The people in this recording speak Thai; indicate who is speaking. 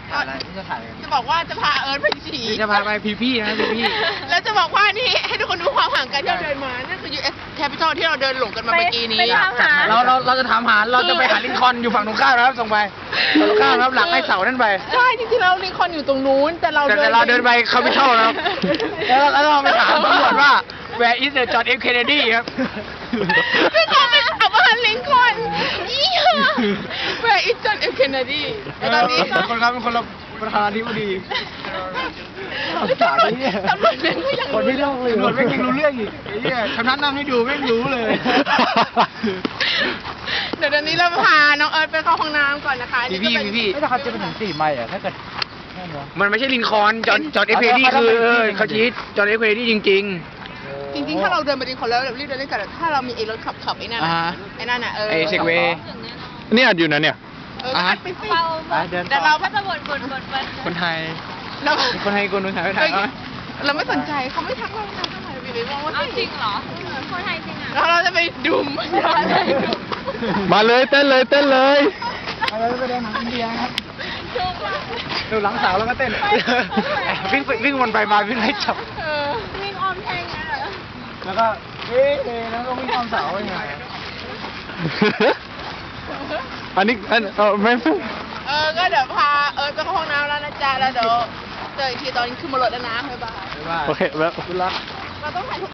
Speaker 1: อะไรจะถ่าย
Speaker 2: จะบอกว่าจะพาเอิร์ธไปฉี่
Speaker 1: จะพาไปพี่นะพี่
Speaker 2: แล้วจะบอกว่านี่ให้ทุกคนดูความห่างกันที่เราเดินมานั่นคือ US Capital ที่เราเดินหลงกันมาเมื่อกี้นี้
Speaker 1: เราจะถามหาเราจะไปหาลิงคอล์นอยู่ฝั่งตรงข้ามนะครับส่งไปฝั่งตรงข้ามครับหลังไอ้เสานั่นไป
Speaker 2: ใช่จริงๆเราลิงคอล์นอยู่ตรงนู้นแต่เรา
Speaker 1: เดินไปแคปิตอลนะครับแล้วเราไปถามตำรวจว่า Where is the John F Kennedy ครับ
Speaker 2: ซึ่งเขาเป็นอับอันลิงคอล์นยี่ห้อ Where is John F Kennedy ตอนนี้
Speaker 1: คนครับเป็นคนละประธานาธิบดี
Speaker 2: ตำรวจแม่งก็ยัง
Speaker 1: คนไม่เล่าเลยตำรวจแม่งยังรู้เรื่องอีกไอ้เนี่ยคำนั้นนั่งให้ดูแม่งรู้เลย
Speaker 2: เดี๋ยวนี้เราพาน้องเอิร์ธไปเข้าห้องน้ำก่อนนะคะ
Speaker 1: พี่ถ้าเขาจะไปถึง4 ไมล์อ่ะถ้าเกิดมันไม่ใช่ลินคอล์นจอห์นเอฟเคนเนดี้คือเขาชี้จอห์นเอฟเคนเนดี้จริง
Speaker 2: ถ้าเราเดินไปลินคอล์นแล้วรีบเดินเล่นกันถ้าเรามีไอ้รถขับไอ้นั่นน่ะ
Speaker 1: ไอ้เซกเวย์
Speaker 3: นี่อัดอยู่นะเนี่ย
Speaker 2: ไปสิแต่เราก็จะบ่น
Speaker 1: คนไทยคนไทยคนไทย
Speaker 2: เราไม่สนใจเขาไม่ทักเราเท่าไหร่พี่บอกว่า
Speaker 4: จริงเหรอคนไทยจริงอ่ะ
Speaker 2: แล้วเราจะไปดุม
Speaker 3: มาเลยเต้นเลย
Speaker 1: ไปเดินหนังอินเดียครับดูหลังสาวแล้วก็เต้นวิ่งวนไปมาวิ่งไล่จับ
Speaker 4: วิ่งออมแทงอ่ะ
Speaker 1: แล้วก็แล้วก็วิ่งอ้อมเสาอย่างเงี้ย
Speaker 3: อันนี้ไม่
Speaker 2: ก็เดี๋ยวพาไปเข้าห้องน้ำแล้วนะจ๊ะแล้วเดี๋ยวเจออีกทีตอนขึ้นบนรถแล้วนะบ๊ายบาย
Speaker 3: โอเคแล้ว
Speaker 1: คุณรัก
Speaker 2: เราต้องถ่าย